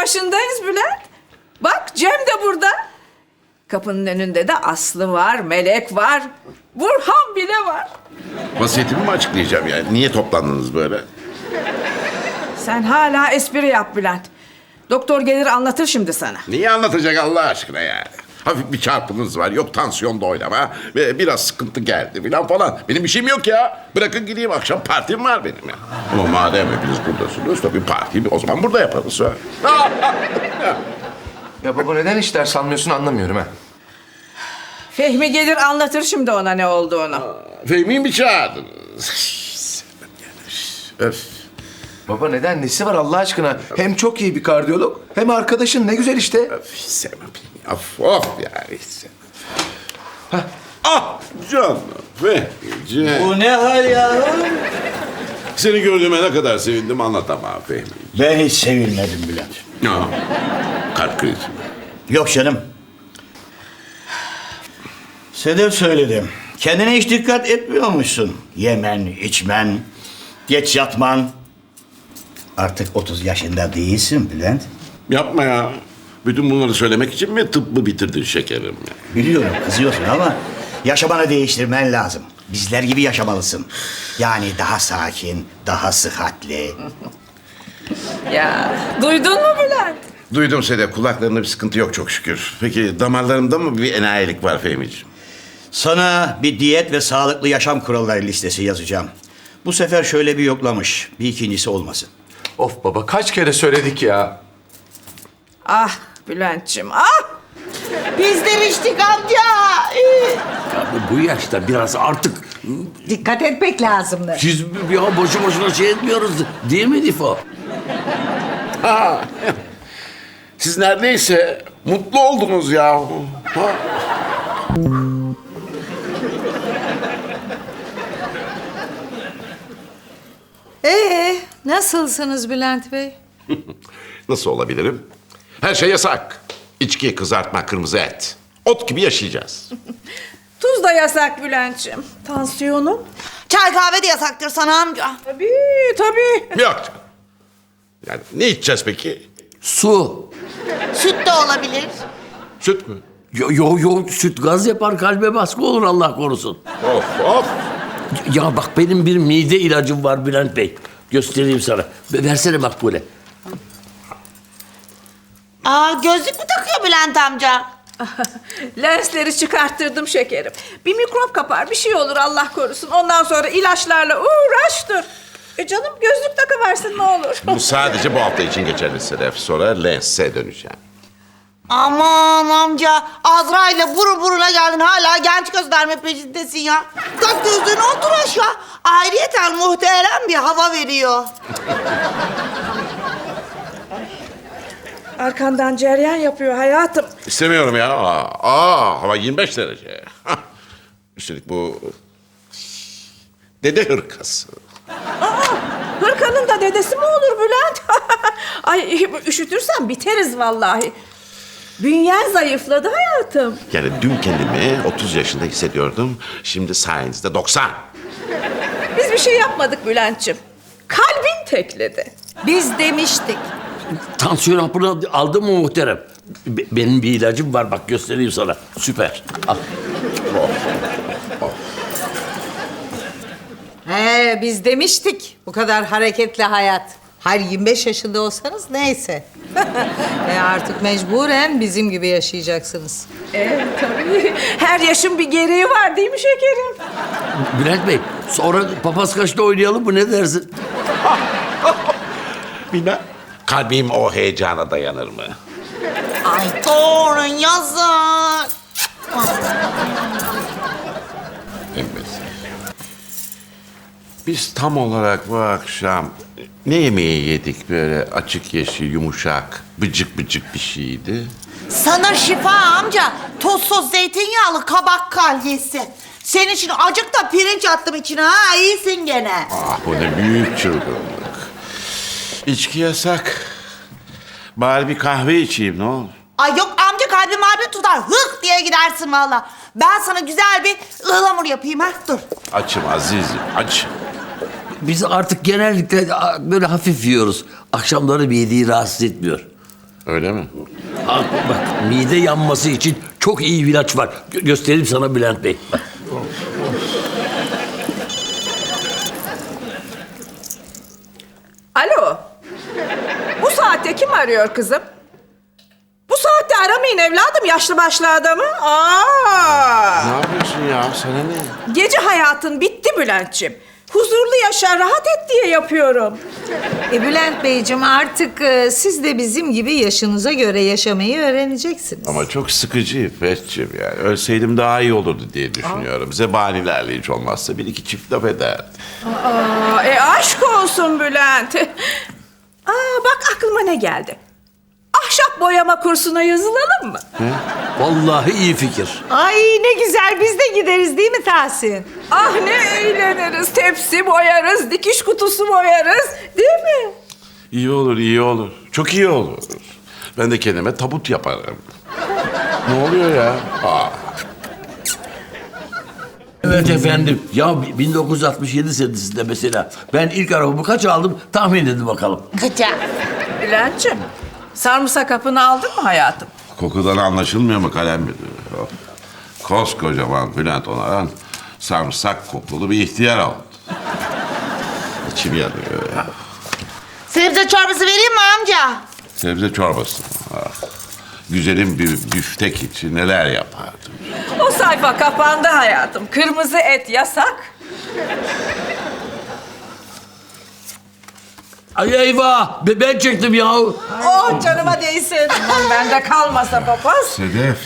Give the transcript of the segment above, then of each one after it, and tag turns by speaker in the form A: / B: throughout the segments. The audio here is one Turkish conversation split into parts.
A: başındayız Bülent. Bak Cem de burada. Kapının önünde de Aslı var, Melek var. Burhan bile var.
B: Vasiyetimi mi açıklayacağım yani? Niye toplandınız böyle?
A: Sen hala espri yap Bülent. Doktor gelir anlatır şimdi sana.
B: Niye anlatacak Allah aşkına yani? Hafif bir çarpınız var, yok tansiyonda oynama ve biraz sıkıntı geldi falan. Benim bir şeyim yok ya. Bırakın gideyim, akşam partim var benim ya. Ama madem hepiniz buradasınız, tabii partiyi o zaman burada yaparız. Ha?
C: Ya baba neden hiç ders almıyorsun anlamıyorum ha.
A: Fehmi gelir anlatır şimdi ona ne olduğunu.
B: Fehmi'yi mi çağırdınız? Öf.
C: Baba neden? Nesi var Allah aşkına? Hem çok iyi bir kardiyolog hem arkadaşın ne güzel işte.
B: Öf, sevmem. Of yani. Ah canım. Fehmi'ciğim.
D: Bu ne hal yavrum?
B: Seni gördüğüme ne kadar sevindim anlatamam Fehmi.
D: Ben hiç sevilmedim Bülent.
B: Ya, kalp krizi.
D: Yok canım. Sedef söyledim. Kendine hiç dikkat etmiyormuşsun. Yemen, içmen, geç yatman. Artık 30 yaşında değilsin Bülent.
B: Yapma ya. Bütün bunları söylemek için mi tıbbı bitirdin şekerim?
D: Biliyorum kızıyorsun ama yaşamanı değiştirmen lazım. Bizler gibi yaşamalısın. Yani daha sakin, daha sıhhatli.
A: Ya duydun mu Bülent?
B: Duydum Sedef. Kulaklarında bir sıkıntı yok çok şükür. Peki damarlarımda mı bir enayilik var Fehmi'ciğim?
D: Sana bir diyet ve sağlıklı yaşam kuralları listesi yazacağım. Bu sefer şöyle bir yoklamış. Bir ikincisi olmasın.
C: Of baba kaç kere söyledik ya.
A: Ah Bülent'ciğim ah!
E: Bizler içtik amca.
F: Bu yaşta biraz artık
E: Dikkat etmek lazımdı.
F: siz ya boşu boşuna şey etmiyoruz değil mi Difo?
B: Ha. Siz neredeyse mutlu oldunuz ya. Ha.
E: Nasılsınız Bülent Bey?
B: Nasıl olabilirim? Her şey yasak. İçki, kızartma, kırmızı et. Ot gibi yaşayacağız.
A: Tuz da yasak Bülent'ciğim. Tansiyonum.
E: Çay kahve de yasaktır sana amca.
A: Tabii.
B: Yok canım. Yani ne içeceğiz peki?
F: Su.
E: Süt de olabilir.
B: Süt mü?
F: Yo süt gaz yapar kalbe baskı olur Allah korusun.
B: Of.
F: Ya bak benim bir mide ilacım var Bülent Bey. Göstereyim sana. Versene Makbule.
E: Gözlük mü takıyor Bülent amca?
A: Lensleri çıkarttırdım şekerim. Bir mikrop kapar bir şey olur Allah korusun. Ondan sonra ilaçlarla uğraş dur. Canım gözlük takıversin ne olur.
B: Bu sadece bu hafta için geçerli Sedef. Sonra lense döneceğim.
E: Aman amca Azrail'le burun buruna geldin hala genç gösterme peşindesin ya. Tak gözlüğünü otur aşağı. Ayrıyeten muhterem bir hava veriyor.
A: Arkandan ceryan yapıyor hayatım.
B: İstemiyorum ya. Hava 25 derece. Hah. Üstelik bu dede hırkası.
A: Hırkanın da dedesi mi olur Bülent? Ay üşütürsen biteriz vallahi. Bünyen zayıfladı hayatım.
B: Yani dün kendimi 30 yaşında hissediyordum. Şimdi sayenizde 90.
A: Biz bir şey yapmadık Bülent'ciğim. Kalbin tekledi.
E: Biz demiştik.
F: Tansiyon hapını aldın mı muhterem? Benim bir ilacım var bak göstereyim sana. Süper. Al.
E: Biz demiştik bu kadar hareketli hayat. Hayır 25 yaşında olsanız neyse. Artık mecburen bizim gibi yaşayacaksınız.
A: Tabii. Her yaşın bir gereği var değil mi şekerim?
F: Bülent Bey sonra papaz kaçta oynayalım mı ne dersin?
B: Bilmem. Kalbim o heyecana dayanır mı?
E: Ay torun yazık.
B: Emmesin. Biz tam olarak bu akşam ne yemeği yedik böyle açık yeşil, yumuşak, bıcık bıcık bir şeydi.
E: Sana şifa amca. Tuzsuz zeytinyağlı kabak kalyesi. Senin için acık da pirinç attım içine ha. İyisin gene.
B: Ah bu ne büyük çılgınlık. İçki yasak. Bari bir kahve içeyim ne olur.
E: Ay yok amca kalbim harbi tutar. Hık diye gidersin valla. Ben sana güzel bir ıhlamur yapayım ha. Dur.
B: Açım azizim, açım.
F: Biz artık genellikle böyle hafif yiyoruz. Akşamları bir yediği rahatsız etmiyor.
B: Öyle mi?
F: Bak mide yanması için çok iyi bir ilaç var. Göstereyim sana Bülent Bey. Bak.
A: Alo. Bu saatte kim arıyor kızım? Bu saatte aramayın evladım, yaşlı başlı adamı.
B: Ne yapıyorsun ya? Sana ne?
A: Gece hayatın bitti Bülent'ciğim. Huzurlu yaşa, rahat et diye yapıyorum.
G: Bülent Beyciğim artık siz de bizim gibi yaşınıza göre yaşamayı öğreneceksiniz.
B: Ama çok sıkıcı İffetciğim yani. Ölseydim daha iyi olurdu diye düşünüyorum. Zebanilerle hiç olmazsa bir iki çift laf ederdi.
A: Aşk olsun Bülent. Bak aklıma ne geldi. Ahşap boyama kursuna yazılalım mı?
F: Vallahi iyi fikir.
G: Ay ne güzel biz de gideriz değil mi Tahsin?
A: Ah ne eğleniriz. Tepsi boyarız, dikiş kutusu boyarız. Değil mi?
B: İyi olur, iyi olur. Çok iyi olur. Ben de kendime tabut yaparım. Ne oluyor ya?
F: Evet efendim. Ya 1967 senesinde mesela ben ilk arabamı kaç aldım tahmin edin bakalım.
A: Bülent'ciğim, sarımsak hapını aldın mı hayatım?
B: Kokudan anlaşılmıyor mu kalem müdürü? Koskocaman Bülent Onaran sarımsak koklulu bir ihtiyar oldu. İçim yanıyor ya.
E: Sebze çorbası vereyim mi amca?
B: Sebze çorbası. Güzelim bir büftek için neler yapardım.
A: O sayfa kapandı hayatım. Kırmızı et yasak.
F: Ay eyvah ben çektim ya.
A: Oh canıma değsin. Aman bende kalmasa papaz.
B: Sedef.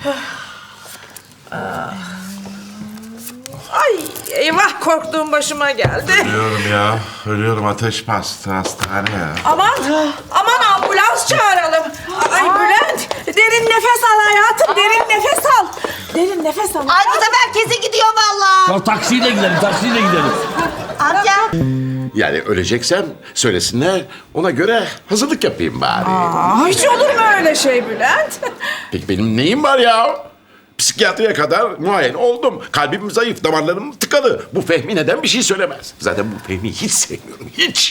A: Ay eyvah korktuğum başıma geldi.
B: Ölüyorum ya. Ölüyorum, ateş bastı hastane ya.
A: Aman ambulans çağıralım. Ay Bülent derin nefes al hayatım. Derin nefes al. Derin nefes al.
E: Ay bu sefer kesin gidiyor vallahi.
F: Ya taksiyle gidelim.
E: Amca.
B: Yani öleceksem söylesinler, ona göre hazırlık yapayım bari.
A: Hiç olur mu öyle şey Bülent?
B: Peki benim neyim var ya? Psikiyatriye kadar muayene oldum. Kalbim zayıf, damarlarım tıkalı. Bu Fehmi neden bir şey söylemez? Zaten bu Fehmi'yi hiç sevmiyorum, hiç.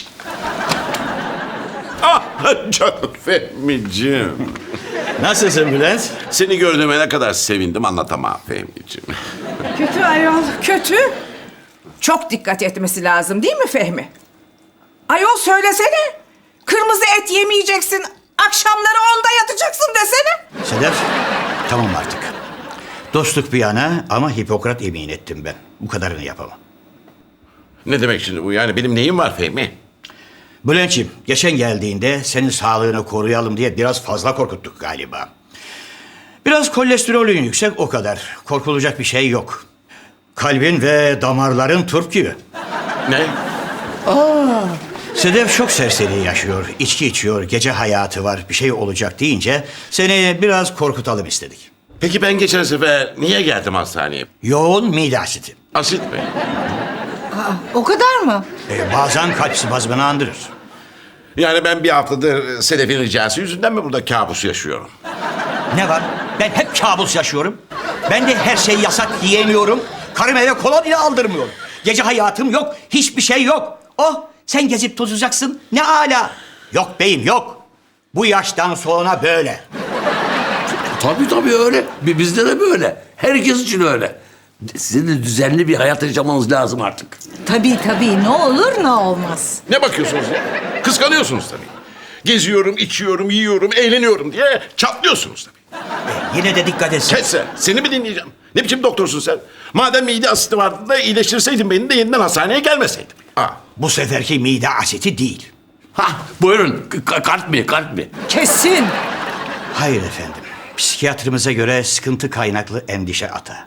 B: Ah canım Fehmi'ciğim.
D: Nasılsın Bülent?
B: Seni gördüğüme ne kadar sevindim anlatamam Fehmi'ciğim.
A: Kötü ayol, kötü. Çok dikkat etmesi lazım değil mi Fehmi? Ayol söylesene. Kırmızı et yemeyeceksin. Akşamları onda yatacaksın desene.
D: Sedef, tamam artık. Dostluk bir yana ama Hipokrat yemin ettim ben. Bu kadarını yapamam.
B: Ne demek şimdi bu yani? Benim neyim var Fehmi?
D: Bülent'ciğim, geçen geldiğinde senin sağlığını koruyalım diye biraz fazla korkuttuk galiba. Biraz kolesterolün yüksek, o kadar. Korkulacak bir şey yok. Kalbin ve damarların turp gibi.
B: Ne?
D: Sedef çok serseri yaşıyor, içki içiyor, gece hayatı var, bir şey olacak deyince seni biraz korkutalım istedik.
B: Peki ben geçen sefer niye geldim hastaneye?
D: Yoğun mide asidi.
B: Asit mi?
G: O kadar mı?
D: Bazen kalp spazmını andırır.
B: Yani ben bir haftadır Sedef'in ricası yüzünden mi burada kabus yaşıyorum?
D: Ne var? Ben hep kabus yaşıyorum. Ben de her şey yasak yiyemiyorum. Karım eve kola bile aldırmıyor. Gece hayatım yok, hiçbir şey yok. Oh, sen gezip tozacaksın, ne ala. Yok beyim, yok. Bu yaştan sonra böyle.
F: Tabii öyle. Bizde de böyle. Herkes için öyle. Sizin de düzenli bir hayat yaşamanız lazım artık.
G: Tabii ne olur ne olmaz.
B: Ne bakıyorsunuz ya? Kıskanıyorsunuz tabii. Geziyorum, içiyorum, yiyorum, eğleniyorum diye çatlıyorsunuz tabii.
D: Yine de dikkat etsin.
B: Kes sen. Seni mi dinleyeceğim? Ne biçim doktorsun sen? Madem mide asidi vardı da iyileştirseydin beni de yeniden hastaneye gelmeseydim.
D: Bu seferki mide asidi değil.
F: Buyurun. Kalp mi?
G: Kesin.
D: Hayır efendim. Psikiyatrımıza göre sıkıntı kaynaklı endişe ata.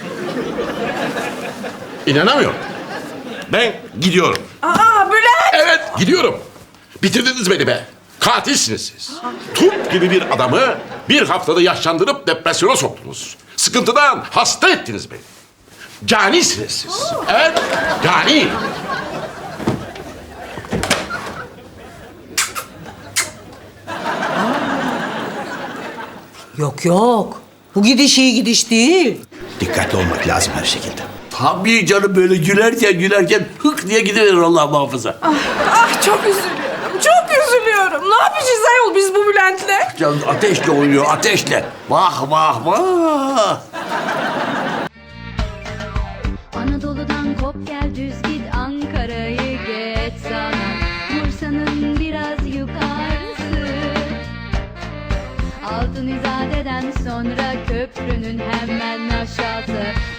B: İnanamıyorum. Ben gidiyorum.
A: Bülent.
B: Evet, gidiyorum. Bitirdiniz beni be. Katilsiniz siz. Turp gibi bir adamı bir haftada yaşlandırıp depresyona soktunuz. Sıkıntıdan hasta ettiniz beni. Canisiniz siz. Evet, cani.
G: Yok. Bu gidiş iyi gidiş değil.
D: Dikkatli olmak lazım her şekilde.
F: Tabii canım böyle gülerken hık diye gidiverir Allah muhafaza.
A: Çok üzülüyorum. Çok üzülüyorum. hatırlıyorum. Ne yapacağız ayol biz bu Bülent'le?
F: Ya ateşle oynuyor, ateşle. Vah vah vah.
H: Anadolu'dan kop gel düz git Ankara'yı geç sana Bursa'nın biraz yukarısı Altın İzade'den sonra köprünün hemen aşağısı